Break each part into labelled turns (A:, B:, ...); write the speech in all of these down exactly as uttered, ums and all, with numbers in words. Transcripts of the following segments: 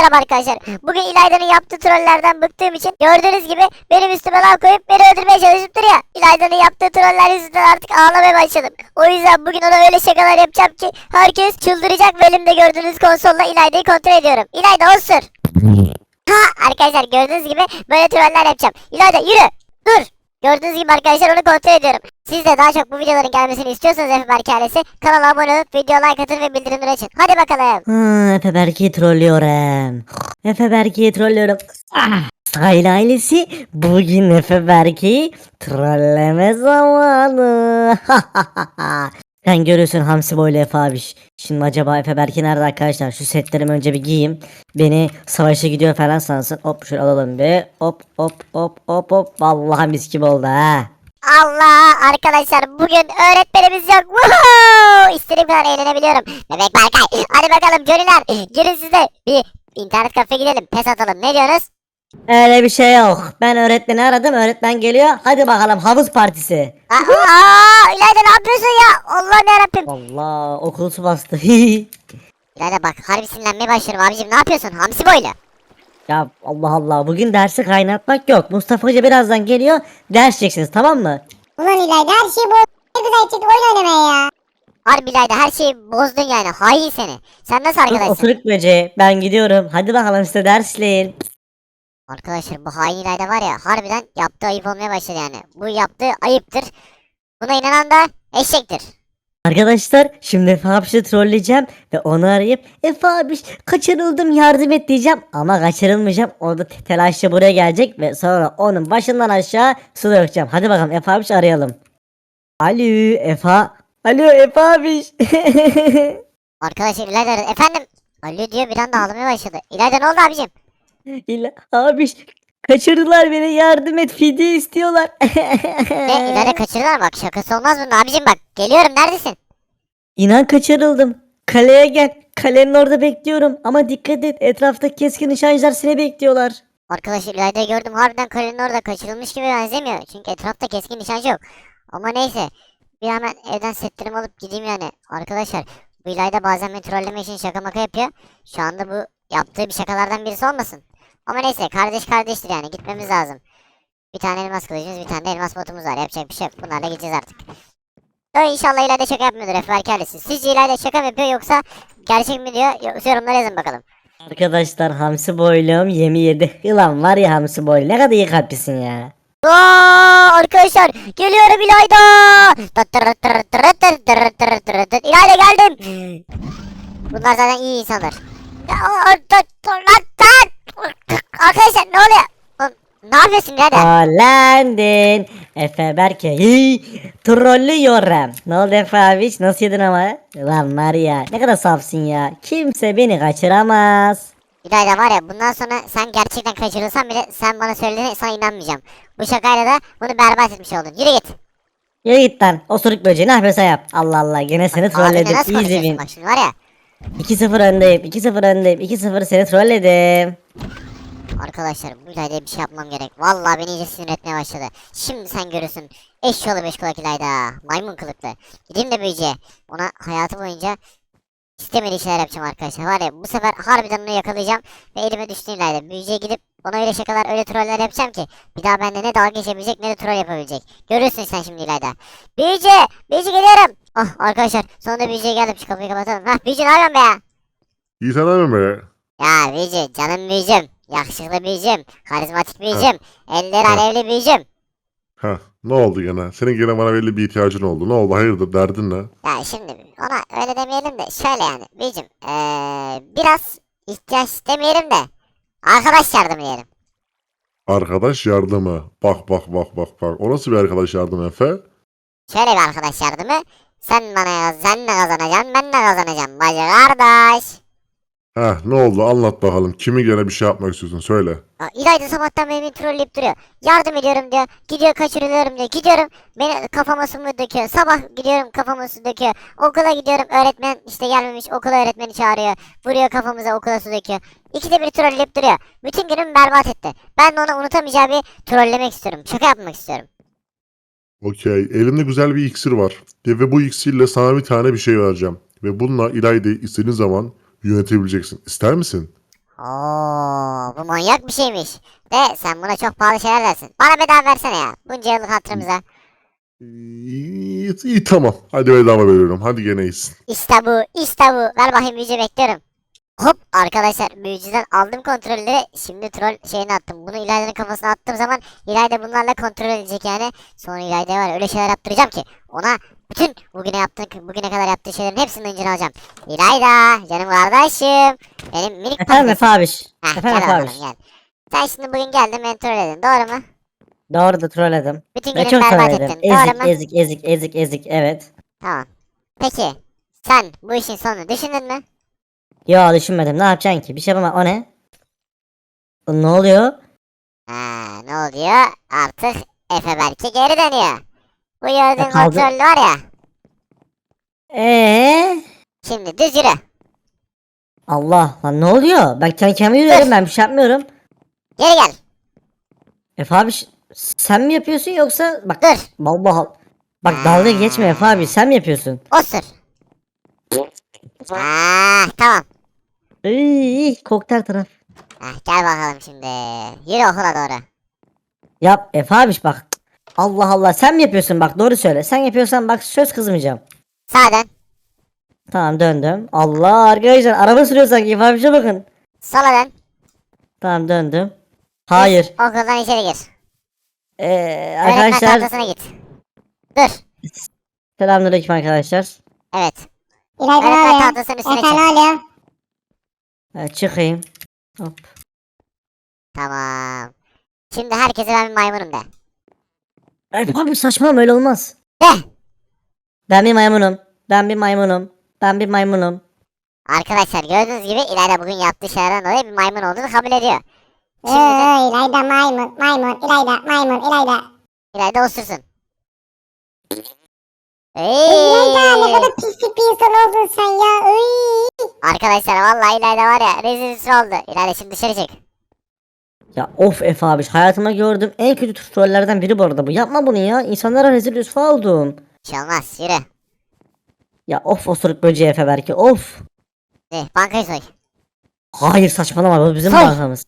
A: Merhaba arkadaşlar. Bugün İlayda'nın yaptığı trollerden bıktığım için gördüğünüz gibi benim üstüme laf koyup beni öldürmeye çalışıp duruyor. İlayda'nın yaptığı troller yüzünden artık ağlamaya başladım. O yüzden bugün ona öyle şakalar yapacağım ki herkes çıldıracak ve elimde gördüğünüz konsolla İlayda'yı kontrol ediyorum. İlayda osur. Ha arkadaşlar gördüğünüz gibi böyle troller yapacağım. İlayda yürü. Dur. Gördüğünüz gibi arkadaşlar onu kontrol ediyorum. Siz de daha çok bu videoların gelmesini istiyorsanız Efe Berk ailesi kanala abone olup videoya like atın ve bildirimleri açın. Hadi bakalım.
B: Ha, Efe Berk'i trollüyorum. Efe Berk'i trollüyorum. Ah! Sahil ailesi bugün Efe Berk'i trolleme zamanı. Sen görüyorsun Hamsi boylu Efe abiş. Şimdi acaba Efe Berk'i nerede arkadaşlar? Şu setlerimi önce bir giyeyim. Beni savaşa gidiyor falan sansın. Hop şöyle alalım bir. Hop hop hop hop hop. Vallahi mis gibi oldu ha.
A: Allah arkadaşlar bugün öğretmenimiz yok. Woohoo! İstediğim kadar eğlenebiliyorum. Bebek Berkay. Hadi bakalım Johnny'ler. Girin siz de bir internet kafe gidelim. Pes atalım. Ne diyorsunuz?
B: Öyle bir şey yok. Ben öğretmeni aradım. Öğretmen geliyor. Hadi bakalım havuz partisi.
A: Aa, aa, İlayda ne yapıyorsun ya? Allah'ım yarabbim.
B: Allah okul su bastı.
A: İlayda bak harbi sinirlenmeye başlıyorum abicim. Ne yapıyorsun? Hamsi boylu.
B: Ya Allah Allah bugün dersi kaynatmak yok. Mustafa Hoca birazdan geliyor. Ders çekeceksiniz tamam mı?
C: Ulan İlayda her şeyi bu ne güzel çıktı oyun oynamaya ya.
A: Harbi İlayda her şeyi bozdun yani. Hain seni. Sen nasıl arkadaşsın?
B: Oturuk böceği ben gidiyorum. Hadi bakalım size dersleyin.
A: Arkadaşlar bu hain İlayda var ya harbiden yaptığı ayıp olmaya başladı yani. Bu yaptığı ayıptır. Buna inanan da eşektir.
B: Arkadaşlar şimdi Efe abişi trolleyeceğim ve onu arayıp Efe abiş kaçırıldım yardım et diyeceğim ama kaçırılmayacağım. O da te- telaşla buraya gelecek ve sonra onun başından aşağı su dökeceğim. Hadi bakalım Efe abiş arayalım. Alo Efe. Alo Efe abiş.
A: Arkadaşlar İlayda aradı. Efendim? Alo diyor bir anda ağlamaya başladı. İlayda ne oldu abicim?
B: İla abiş kaçırdılar beni yardım et fidye istiyorlar.
A: Ne İlayda kaçırdılar bak şakası olmaz bunun abicim bak. Geliyorum neredesin?
B: İnan kaçırıldım. Kaleye gel. Kalenin orada bekliyorum. Ama dikkat et. Etrafta keskin nişancılar seni bekliyorlar.
A: Arkadaşlar İlayda'yı gördüm harbiden kalenin orada kaçırılmış gibi benzemiyor. Çünkü etrafta keskin nişancı yok. Ama neyse. Bir hemen evden setlerimi alıp gideyim yani. Arkadaşlar bu İlayda bazen beni trollemek için şaka maka yapıyor. Şu anda bu yaptığı bir şakalardan birisi olmasın. Ama neyse kardeş kardeştir yani gitmemiz lazım. Bir tane elmas kılıcımız bir tane de elmas botumuz var. Yapacak bir şey yok. Bunlarla gideceğiz artık. Ö, İnşallah İlayda şaka yapmıyordur Efe Erkel'si. Sizce İlayda şaka mı yapıyor yoksa gerçek mi diyor? Yoksa yorumlara yazın bakalım.
B: Arkadaşlar hamsi boylum yemi yedi. Yılan var ya hamsi boylu. Ne kadar iyi kalplisin ya.
A: Aa, arkadaşlar geliyorum İlayda. İlayda geldim. Bunlar zaten iyi insanlar. Ya, o- o- o- lan, lan! Arkadaşlar ne oluyor? Oğlum, ne yapıyorsun İlayda?
B: Hollandin. Efe Berke'yi trollüyorum. Ne oldu Efe abi? Nasıl yedin ama? Lan var ya ne kadar safsın ya. Kimse beni kaçıramaz.
A: İlayda var ya bundan sonra sen gerçekten kaçırılsan bile sen bana söylediğine sana inanmayacağım. Bu şakayla da bunu berbat etmiş oldun. Yürü git.
B: Yürü git lan. Osuruk böceği ne yapıyorsa yap. Allah Allah gene seni
A: Abimle
B: trolledim.
A: nasıl
B: Easy
A: konuşuyorsun
B: win.
A: bak şimdi var ya.
B: iki sıfır öndeyim. iki sıfır öndeyim. iki sıfır seni trolledim.
A: Arkadaşlar bu İlayda'ya bir şey yapmam gerek. Vallahi beni iyice sinir etmeye başladı. Şimdi sen görürsün. Eşşoğlu beş kulak İlayda. Maymun kılıklı. Gideyim de büyücüye. Ona hayatı boyunca istemediği şeyler yapacağım arkadaşlar. Var ya bu sefer harbiden onu yakalayacağım. Ve elime düştü İlayda. Büyücüye gidip ona öyle şakalar öyle troller yapacağım ki. Bir daha bende ne dalga geçebilecek ne de troll yapabilecek. Görürsün sen şimdi İlayda. Büyücü! Büyücü geliyorum. Oh arkadaşlar sonunda büyücüye geldim. Şu kapıyı kapatalım. Hah büyücü ne yapıyorsun be ya?
D: İyi sen abi be.
A: Ya büyücü canım büyücüm. Yakışıklı büyücüm. Karizmatik büyücüm. Eller
D: Ha.
A: alevli büyücüm.
D: Ha, ne oldu gene? Senin gene bana belli bir ihtiyacın oldu. Ne oldu? Hayırdır? Derdin ne?
A: Ya şimdi ona öyle demeyelim de şöyle yani büyücüm. Ee, biraz ihtiyaç demeyelim de arkadaş yardım diyelim.
D: Arkadaş yardımı. Bak bak bak bak bak. O nasıl bir arkadaş yardımı Efe?
A: Şöyle bir arkadaş yardımı. Sen bana yaz, sen de kazanacaksın, ben de kazanacağım. Bacı kardeş.
D: Heh, ne oldu? Anlat bakalım. Kimi gene bir şey yapmak istiyorsun? Söyle.
A: Ya, İlayda sabahtan beri beni trolleyip duruyor. Yardım ediyorum diyor. Gidiyor kaçırılıyorum diyor. Gidiyorum beni kafama su mu döküyor. Sabah gidiyorum kafama su döküyor. Okula gidiyorum öğretmen işte gelmemiş. Okula öğretmeni çağırıyor. Vuruyor kafamıza okula su döküyor. İkide bir trolleyip duruyor. Bütün günümü berbat etti. Ben de ona unutamayacağı bir trollemek istiyorum. Şaka yapmak istiyorum.
D: Okey. Elimde güzel bir iksir var. Ve ve bu iksirle sana bir tane bir şey vereceğim. Ve bununla İlayda'yı istediğin zaman yönetebileceksin. İster misin?
A: Oo, bu manyak bir şeymiş. De sen buna çok pahalı şeyler dersin. Bana bedava versene ya. Bunca yıllık hatırımıza.
D: İyi, iyi tamam. Hadi bedava veriyorum. Hadi gene iyisin.
A: İşte bu, işte bu. Ver bakayım büyücü bekliyorum. Hop arkadaşlar büyücüden aldım kontrolleri. Şimdi troll şeyini attım. Bunu İlayda'nın kafasına attığım zaman İlayda bunlarla kontrol edecek yani. Sonra İlayda'ya var ya, öyle şeyler yaptıracağım ki ona bütün bugüne yaptığı bugüne kadar yaptığı şeylerin hepsinin öncünü alacağım. İlayda canım kardeşim. Benim minik
B: Efendim Efe
A: patatesim.
B: abiş.
A: Heh,
B: Efendim
A: gel
B: Efe
A: bakalım
B: abiş.
A: gel. Sen şimdi bugün geldin beni troll edin doğru mu?
B: Doğru da trolledim.
A: Bütün
B: Ve
A: günümü
B: çok
A: berbat
B: trolledim.
A: ettin doğru
B: Ezik
A: mu?
B: ezik ezik ezik ezik evet.
A: Tamam. Peki sen bu işin sonunu düşündün mü?
B: Yo düşünmedim ne yapacaksın ki bir şey yapamam o ne? Ne oluyor?
A: Ha, ne oluyor? Artık Efe belki geri dönüyor. Bu gördüğün
B: E, kaldı.
A: kontrollü var ya.
B: Eee?
A: Şimdi düz yürü.
B: Allah lan ne oluyor? Ben kendi kendime yürüyorum ben bir şey yapmıyorum.
A: Geri gel.
B: Efe abi ş- sen mi yapıyorsun yoksa bak
A: Dur.
B: vallahi bak dalga geçme Efe abi sen mi yapıyorsun?
A: Osur. Ah, tamam.
B: İyi kokteyl taraf.
A: Ah, gel bakalım şimdi. Yürü okula doğru.
B: Yap Efe abi bak. Allah Allah sen mi yapıyorsun bak doğru söyle. Sen yapıyorsan bak söz kızmayacağım.
A: Sağa dön.
B: Tamam döndüm. Allah arkadaşlar araba sürüyor sanki Efe abi bakın.
A: Sola dön.
B: Tamam döndüm. Hayır.
A: Düz okuldan içeri gir.
B: Ee,
A: Öğretmen
B: arkadaşlar
A: tahtasına git. Dur.
B: selamünaleyküm arkadaşlar.
A: Evet.
C: İlayda ne
A: Öğretmen
C: oluyor?
A: tahtasının üstüne
C: Efe
A: çık.
C: ne oluyor?
B: Ee, çıkayım. Hop.
A: Tamam. Şimdi herkese ben bir maymunum de.
B: Efe abi saçmalama öyle olmaz.
A: De.
B: Ben bir maymunum. Ben bir maymunum. Ben bir maymunum.
A: Arkadaşlar gördüğünüz gibi İlayda bugün yaptığı şeylerden dolayı bir maymun olduğunu kabul ediyor.
C: Ee,
A: Şimdi de
C: İlayda maymun, maymun, İlayda, maymun, İlayda.
A: İlayda osursun.
C: İlayda ne
A: Eee.
C: kadar pislik bir insan oldun sen ya. Iy.
A: Arkadaşlar vallahi İlayda var ya rezil rüsva oldu. İlayda şimdi dışarı çık.
B: Ya of Efe abi hayatımda gördüğüm en kötü trollerden biri bu arada bu. Yapma bunu ya. İnsanlara rezil rüsva oldum.
A: Bir şey olmaz yürü.
B: Ya of osuruk böceği Efe belki of.
A: De, bankayı soy.
B: Hayır saçmalama bu bizim
A: Soy.
B: bankamız.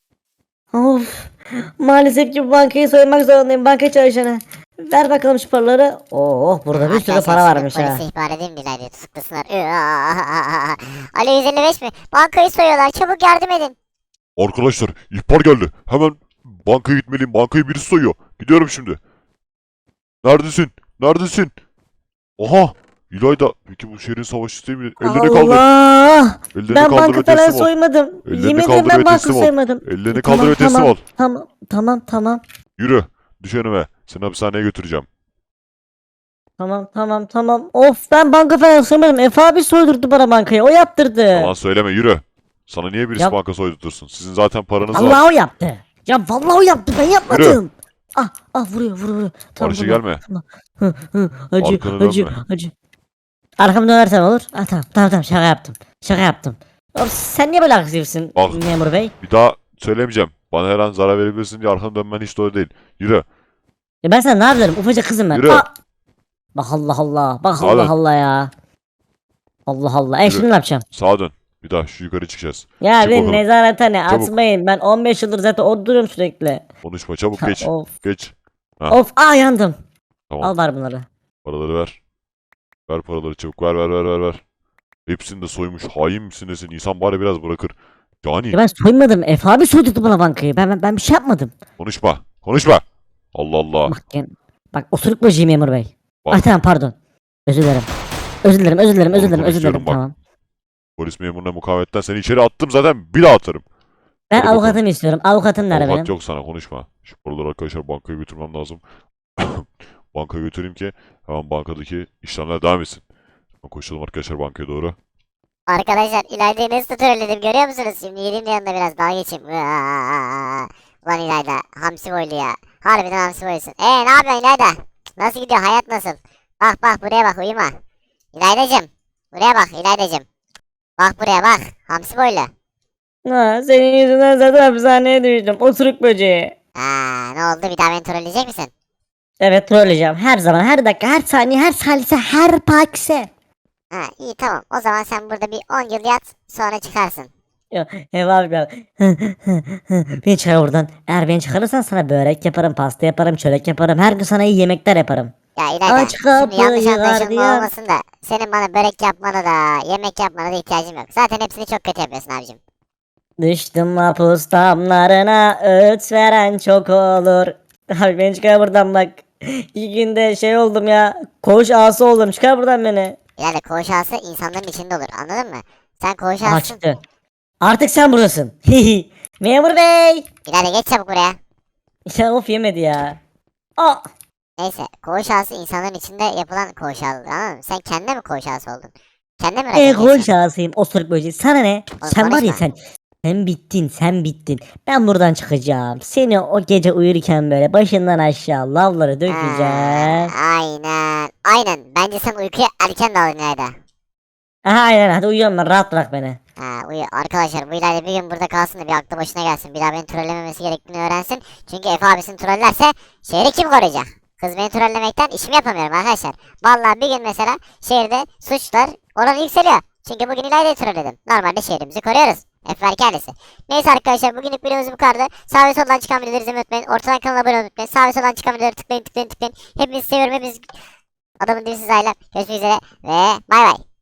B: Of. Maalesef ki bu bankayı soymak zorundayım banka çalışanı. Ver bakalım şu paraları. Oh burada bir sürü
A: Arkadaşlar,
B: para
A: şimdi
B: varmış ha.
A: Polise ihbar edeyim mi İlayda'yı tutuklasınlar. Alo yüz elli beş mi? Bankayı soyuyorlar çabuk yardım edin.
E: Arkadaşlar ihbar geldi. Hemen bankaya gitmeliyim. Bankayı birisi soyuyor. Gidiyorum şimdi. Neredesin? Neredesin? Aha! İlayda. Peki bu şehrin savaş sistemi ellerini kaldır.
B: Allah.
E: Ellerini
B: Ben
E: kaldır
B: banka
E: ve
B: falan
E: teslim ol.
B: soymadım.
E: Ellerini
B: Yemin ederim
E: kaldır
B: ben
E: ve
B: banka
E: teslim ol.
B: soymadım.
E: Ellerini
B: Tamam,
E: kaldır ve teslim
B: tamam,
E: ol.
B: Tamam tamam tamam.
E: Yürü. Düş önüme. Seni hapishaneye götüreceğim.
B: Tamam tamam tamam. Of ben banka falan soymadım. Efe abi soydurdu bana bankayı. O yaptırdı.
E: Yalan söyleme yürü. Sana niye birisi
B: Yap.
E: banka soydurtursun? Sizin zaten paranız var.
B: Allah o yaptı. Ya vallahi o yaptı ben yapmadım. Ah ah vuruyor vuruyor vuruyor. Tamam,
E: Barış'a
B: tamam,
E: gelme.
B: tamam. Hı, hı, acı
E: Arkanı
B: acı
E: dönme.
B: acı. Arkamı dönersem olur. Ah tamam tamam tamam şaka yaptım. Şaka yaptım. Oğlum sen niye böyle agresifsin
E: Bak.
B: memur bey?
E: Bir daha söylemeyeceğim. Bana her an zarar verebilirsin diye arkanı dönmen hiç doğru değil. Yürü.
B: Ya ben sana ne yapıyorum? Ufacık kızım ben.
E: Yürü.
B: Ah! Bak Allah Allah. Bak
E: Hadi.
B: Allah Allah ya. Allah Allah. E
E: Yürü.
B: şimdi ne yapacağım?
E: Sağa dön. Bir daha şu yukarı çıkacağız.
B: Ya
E: Çık
B: beni
E: bakalım.
B: nezarethane
E: Çabuk.
B: atmayın. Ben on beş yıldır zaten oturuyorum sürekli.
E: Konuşma. Çabuk
B: Ha,
E: geç.
B: of.
E: Geç. Ha.
B: Of aa yandım.
E: Tamam.
B: Al var bunları.
E: Paraları ver. Ver paraları çabuk. Ver ver ver ver ver. Hepsini de soymuş. Hain misin nesin? İnsan bari biraz bırakır. Yani
B: Ya ben soymadım. Efe abi soydurdu bana bankayı. Ben, ben, ben bir şey yapmadım.
E: konuşma. Konuşma. Allah Allah.
B: Bak yani, bak osuruk böceği memur bey.
E: Bak.
B: Ay tamam pardon. Özür dilerim. Özür dilerim özür dilerim özür
E: Oğlum,
B: dilerim özür dilerim
E: konuşuyorum bak.
B: tamam.
E: Polis memuruna mukavemetten seni içeri attım zaten bir daha atarım.
B: Ben
E: Hadi bakalım.
B: avukatımı istiyorum. Avukatım nerede
E: Avukat
B: benim?
E: yok sana konuşma. Şu paraları arkadaşlar bankaya götürmem lazım. Bankaya götüreyim ki hemen bankadaki işlemler devam etsin. Hemen koşalım arkadaşlar bankaya doğru.
A: Arkadaşlar İlayda'yı nasıl trolledim görüyor musunuz? Şimdi yediğim de yanında biraz daha geçeyim. Ulan İlayda hamsi boylu ya. Harbiden hamsi boylusun. Eee ne yapıyorsun İlayda? Nasıl gidiyor hayat nasıl? Bak bak buraya bak uyuma. İlaydacım. Buraya bak İlaydacım. Bak buraya bak. Hamsi boylu.
B: Ha, senin yüzünden zaten hapishaneye düştüm. Osuruk böceği.
A: Aa, ne oldu bir daha beni trolleyecek misin?
B: Evet trolleyeceğim. Her zaman, her dakika, her saniye, her salise, her pakse.
A: Ha iyi tamam. O zaman sen burada bir on yıl yat sonra çıkarsın.
B: Ya, Ev abi ya. Beni çıkar buradan. Eğer beni çıkarırsan sana börek yaparım, pasta yaparım, çörek yaparım. Her gün sana iyi yemekler yaparım.
A: Ya İlayda
B: Aç
A: şimdi yanlış
B: kapıyı
A: anlaşılma
B: gardiyan.
A: olmasın da senin bana börek yapmana da yemek yapmana da ihtiyacım yok. Zaten hepsini çok kötü yapıyorsun abicim.
B: Düştüm mahpus damlarına, öğüt veren çok olur. Abi beni çıkar buradan bak. İki günde şey oldum ya. Koğuş ağası oldum. Çıkar buradan beni.
A: İlayda koğuş ağası insanların içinde olur anladın mı? Sen koğuş
B: Aha
A: ağasısın.
B: çıktı. Artık sen buradasın. Memur bey.
A: İlayda geç çabuk buraya.
B: Ya of yemedi ya. Aa.
A: Neyse koğuş ağası insanların içinde yapılan koğuş ağası anladın mı? Sen kendine mi koğuş ağası oldun? Kendine mi
B: E
A: rakip
B: koğuş
A: geçtin?
B: ağasıyım. Osuruk böceği. Sana ne?
A: Oğlum
B: Sen var ya
A: konuşma.
B: sen. Sen bittin, sen bittin. Ben buradan çıkacağım. Seni o gece uyurken böyle başından aşağı lavları dökeceğim.
A: Ha, aynen. Aynen. Bence sen uykuya erken daldın İlayda.
B: Aha aynen hadi uyuyorum ben. Rahat bırak beni.
A: Ha, uyu. Arkadaşlar bu İlayda bir gün burada kalsın da bir aklı başına gelsin. Bir daha beni trollememesi gerektiğini öğrensin. Çünkü Efe abisini trollerse şehri kim koruyacak? Kız beni trollemekten işimi yapamıyorum arkadaşlar. Vallahi bir gün mesela şehirde suçlar oranı yükseliyor. Çünkü bugün İlayda'yı trolledim. Normalde şehrimizi koruyoruz. Efer kendisi. Neyse arkadaşlar bugünlük videomuz bu kadardı. Sağ ve soldan çıkan videoları izlemeyi unutmayın. Ortadan kanala abone olmayı unutmayın. Sağ ve soldan çıkan videoları tıklayın tıklayın tıklayın. Hepinizi seviyorum. Hepiniz adamın dibisiz ailem. Görüşmek üzere ve bay bay.